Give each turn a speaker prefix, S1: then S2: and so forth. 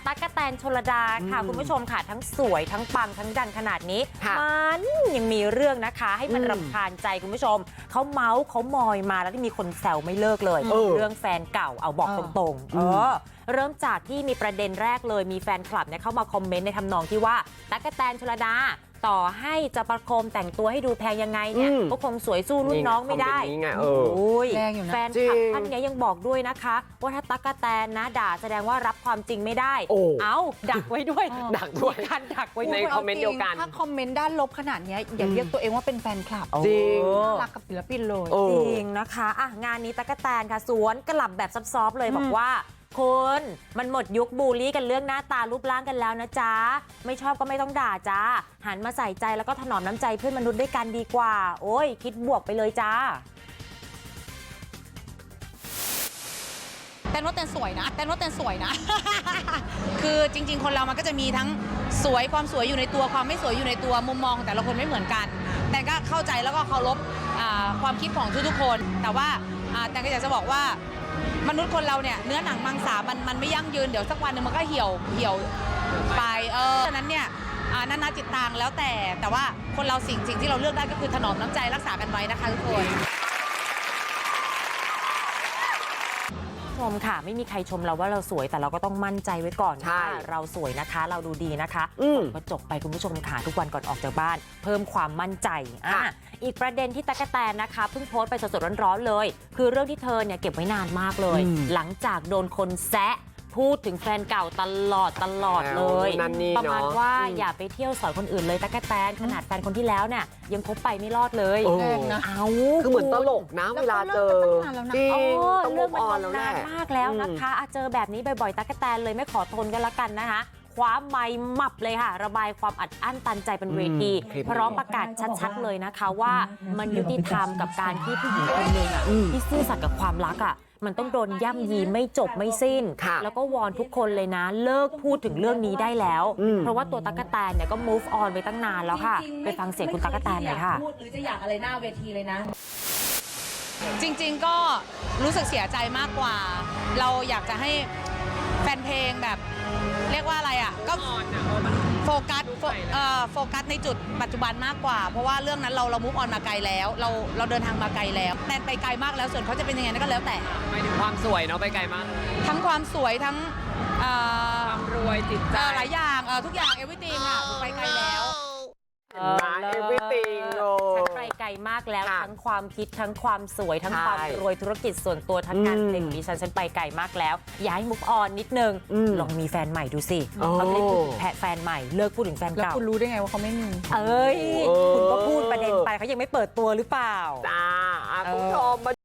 S1: ตั๊กแตนชลดาค่ะคุณผู้ชมค่ะทั้งสวยทั้งปังทั้งดังขนาดนี้มันยังมีเรื่องนะคะให้มันรำคาญใจคุณผู้ชมเขาเมาส์เขามอยมาแล้วที่มีคนแซวไม่เลิกเลยเรื่องแฟนเก่าเอาบอกตรงๆเริ่มจากที่มีประเด็นแรกเลยมีแฟนคลับเนี่ยเข้ามาคอมเมนต์ในทำนองที่ว่าตั๊กแตนชลดาต่อให้จะประโคมแต่งตัวให้ดูแพงยังไงเนี่ยก็คงสวยสู้รุ่นน้องไม่ได้แฟนคลับท่านนี้ยังบอกด้วยนะคะว่าถ้าตั๊กแตนนะด่าแสดงว่ารับความจริงไม่ได้เอาดักไว้ด้วยการดักไว้ใน
S2: คอมเมนต์เดียวกันถ้าคอมเมนต์ด้านลบขนาดนี้อย่าเรียกตัวเองว่าเป็นแฟนคลับ
S1: จริง
S2: รักกับศิลปินเลย
S1: จริงนะคะงานนี้ตั๊กแตนค่ะสวนกลับแบบซอฟๆเลยบอกว่าคุณมันหมดยุคบูลลี่กันเรื่องหน้าตารูปร่างกันแล้วนะจ๊ะไม่ชอบก็ไม่ต้องด่าจ้าหันมาใส่ใจแล้วก็ถนอมน้ำใจเพื่อนมนุษย์ด้วยกันดีกว่าโอ้ยคิดบวกไปเลยจ้า
S3: เต้นว่าเต้นสวยนะ คือจริงๆคนเรามันก็จะมีทั้งสวยความสวยอยู่ในตัวความไม่สวยอยู่ในตัวมุมมองของแต่ละคนไม่เหมือนกันแต่ก็เข้าใจแล้วก็เคารพความคิดของทุกๆคนแต่ว่าแต่ก็อยากจะบอกว่ามนุษย์คนเราเนี่ยเนื้อหนังมังสามันไม่ยั่งยืนเดี๋ยวสักวันหนึ่งมันก็เหี่ยวไปฉะนั้นเนี่ยนานาจิตตังแล้วแต่ว่าคนเราสิ่งที่เราเลือกได้ก็คือถนอมน้ำใจรักษากันไว้นะคะทุกคน
S1: ชมค่ะไม่มีใครชมเราว่าเราสวยแต่เราก็ต้องมั่นใจไว้ก่อนว่าเราสวยนะคะเราดูดีนะคะก็จบไปคุณผู้ชมค่ะทุกวันก่อนออกจากบ้านเพิ่มความมั่นใจอีกประเด็นที่ตั๊กแตนนะคะเพิ่งโพสต์ไปสดๆร้อนๆเลยคือเรื่องที่เธอเนี่ยเก็บไว้นานมากเลยหลังจากโดนคนแซะพูดถึงแฟนเก่าตลอดเลยประมาณว่าอย่าไปเที่ยวสอนคนอื่นเลยตั๊กแตนขนาดแฟนคนที่แล้วเนี่ยยังคบไปไม่รอดเลย
S4: คือเหมือนตลกนะเวลาเจอ
S1: จริงต้องเรื่องมันนานมากแล้วนะคะเจอแบบนี้บ่อยๆตั๊กแตนเลยไม่ขอทนกันละกันนะคะคว้าไมค์หมับเลยค่ะระบายความอัดอั้นตันใจเป็นเวทีพร้อมประกาศชัดๆเลยนะคะว่ามันยุติธรรมกับการที่ผู้หญิงคนหนึ่งที่ซื่อสัตย์กับความรักมันต้องโดนย่ำยีไม่จบไม่สิ้นแล้วก็วอนทุกคนเลยนะเลิกพูดถึงเรื่องนี้ได้แล้วเพราะว่าตัวตั๊กแตนเนี่ยก็ move on ไปตั้งนานแล้วค่ะไปฟังเสียงคุณตั๊กแตนหน่อยค่ะ
S3: พูดหรือจะอยากอะไรหน้าเวทีเลยนะจริงๆก็รู้สึกเสียใจมากกว่าเราอยากจะให้แฟนเพลงแบบเรียกว่าอะไรก็โฟกัสในจุดปัจจุบันมากกว่าเพราะว่าเรื่องนั้นเรามุฟออนมาไกลแล้วเราเดินทางมาไกลแล้วแตนไปไกลมากแล้วส่วนเขาจะเป็นยังไงนั่นก็แล้วแต่
S4: หมายถึงความสวยเนาะไปไกลมาก
S3: ทั้งความสวยทั้ง
S4: ความรวยจิตใจ
S3: หลายอย่างทุกอย่างeverythingไปไกลแล้ว
S1: ฉันไปไกลมากแล้วทั้งความคิดทั้งความสวยทั้งความรวยธุรกิจส่วนตัวทั้งงานเพลงนี้ฉันไปไกลมากแล้วย้ายมุกออนนิดนึงลองมีแฟนใหม่ดูสิเขาไม่ได้พูดถึงแฟนใหม่เลิกพูดถึงแฟนเก่า
S2: แล้วคุณรู้ได้ไงว่าเขาไม่มี
S1: คุณก็พูดประเด็นไปเขายังไม่เปิดตัวหรือเปล่า
S4: จ้าคุณผู้ชมมา